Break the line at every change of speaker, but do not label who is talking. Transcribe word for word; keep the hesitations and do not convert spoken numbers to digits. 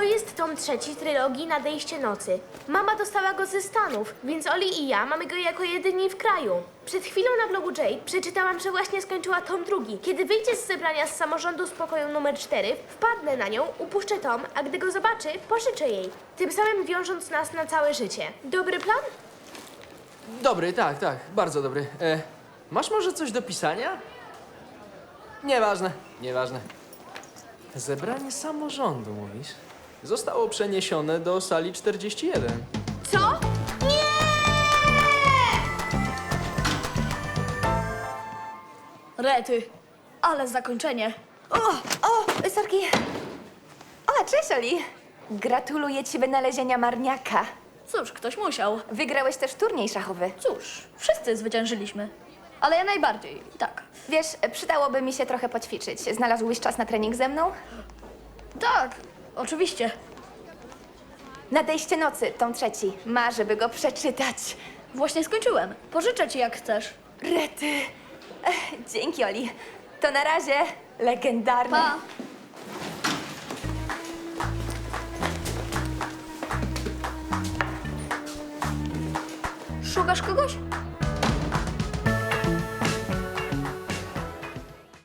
jest tom trzeci trylogii Nadejście nocy. Mama dostała go ze Stanów, więc Oli i ja mamy go jako jedyni w kraju. Przed chwilą na blogu Jade przeczytałam, że właśnie skończyła tom drugi. Kiedy wyjdzie z zebrania z samorządu z pokoju numer cztery, wpadnę na nią, upuszczę tom, a gdy go zobaczy, pożyczę jej. Tym samym wiążąc nas na całe życie. Dobry plan?
Dobry, tak, tak, bardzo dobry. E, masz może coś do pisania? Nieważne, nieważne. Zebranie samorządu, mówisz? Zostało przeniesione do sali czterdzieści jeden.
Co? Nie!
Rety, ale zakończenie.
O, o, sorki. O, cześć, Oli. Gratuluję ci wynalezienia marniaka.
Cóż, ktoś musiał.
Wygrałeś też turniej szachowy.
Cóż, wszyscy zwyciężyliśmy. Ale ja najbardziej, tak.
Wiesz, przydałoby mi się trochę poćwiczyć. Znalazłbyś czas na trening ze mną?
Tak, oczywiście.
Nadejście nocy, tom trzeci. Marzę, by go przeczytać.
Właśnie skończyłem. Pożyczę ci jak chcesz.
Rety. Ech, dzięki, Oli. To na razie. Legendarne.
Pa! Szukasz kogoś?